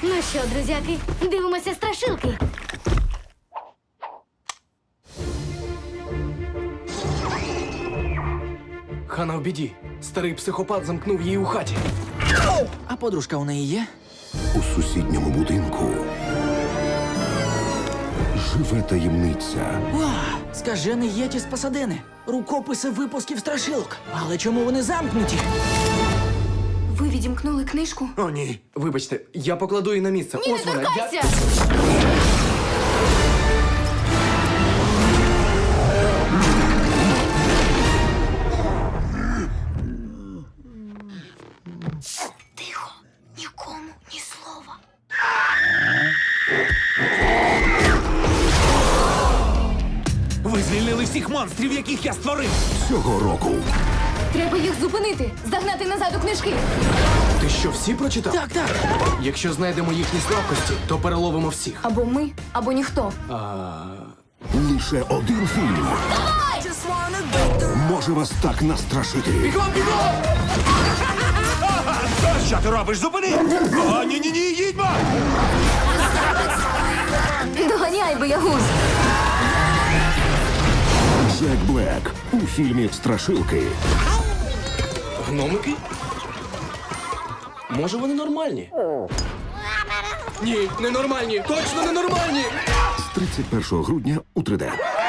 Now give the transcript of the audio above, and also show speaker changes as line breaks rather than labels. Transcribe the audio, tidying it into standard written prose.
Ну що, друзяки, дивимося страшилки.
Хана в біді. Старий психопат замкнув її у хаті.
А подружка у неї є?
У сусідньому будинку живе таємниця.
Скажений єті з Пасадени. Рукописи випусків страшилок. Але чому вони замкнуті?
Ви відімкнули книжку?
О, ні. Вибачте, я покладу її на місце.
Ні, не
Ось вона.
торкайся!
Тихо, нікому ні слова.
Ви звільнили всіх монстрів, яких я створив!
Цього року
Треба їх зупинити, загнати назад у книжки.
Ти що, всі прочитав?
Так, так.
Якщо знайдемо їхні слабкості, то переловимо всіх.
Або ми, або ніхто.
лише один фільм може вас так настрашити.
Що ти робиш? Зупини! О, ні-ні-ні, їдьмо!
Доганяй, боягуз!
Джек Блек у фільмі «Страшилки».
Гномики? Може, вони нормальні? Ні, ненормальні! Точно ненормальні!
З 31 грудня у 3D.